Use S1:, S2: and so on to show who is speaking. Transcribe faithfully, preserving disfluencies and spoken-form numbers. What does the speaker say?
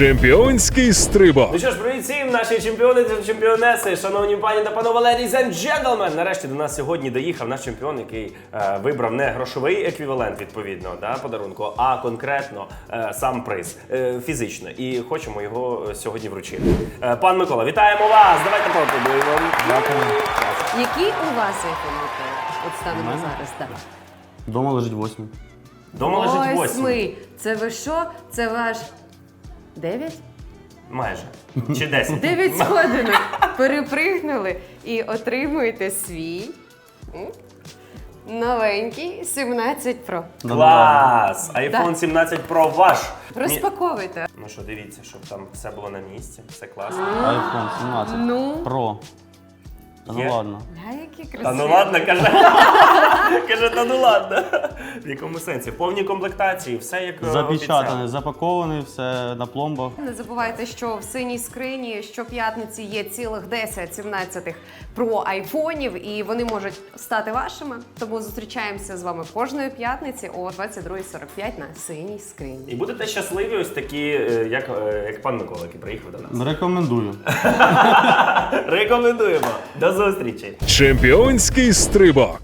S1: Чемпіонський стрибок.
S2: Ну що ж, привіт всім, наші чемпіони та чемпіонеси, шановні пані та панове, ladies and gentlemen! Нарешті до нас сьогодні доїхав наш чемпіон, який е, вибрав не грошовий еквівалент, відповідно, да, подарунку, а конкретно е, сам приз, е, фізично. І хочемо його сьогодні вручити. Е, пан Микола, вітаємо вас! Давайте поаплодуємо.
S3: Дякую.
S4: Який у вас iPhone, Микола? От станемо зараз, так.
S3: Дома лежить восьмий.
S2: Дома лежить восьмий.
S4: Восьмий. Це ви що? Це ваш... Дев'ять?
S2: Майже. Чи десять.
S4: Дев'ять сходинок. Перепригнули і отримуєте свій м, новенький сімнадцять Pro.
S2: Клас! iPhone
S4: Так.
S2: сімнадцять Pro ваш. Ні-
S4: Розпаковуйте.
S2: Ну що, дивіться, щоб там все було на місці, все класно.
S3: iPhone сімнадцять
S4: Ну?
S3: Pro. Та
S2: Є?
S3: ну ладно.
S4: Ля, які красиві.
S2: Та ну ладно, каже. Каже, та ну ладно. В якому сенсі? В повній комплектації, все як е,
S3: Запечатаний,
S2: обіцяли.
S3: запакований, все на пломбах.
S4: Не забувайте, що в синій скрині щоп'ятниці є цілих десять сімнадцятих Pro айфонів, і вони можуть стати вашими. Тому зустрічаємося з вами кожної п'ятниці о двадцять друга сорок п'ять на синій скрині.
S2: І будете щасливі ось такі, е, як, е, як пан Микола, який приїхав до нас.
S3: Рекомендую.
S2: Рекомендуємо. До зустрічі.
S1: Чемпіонський стрибок.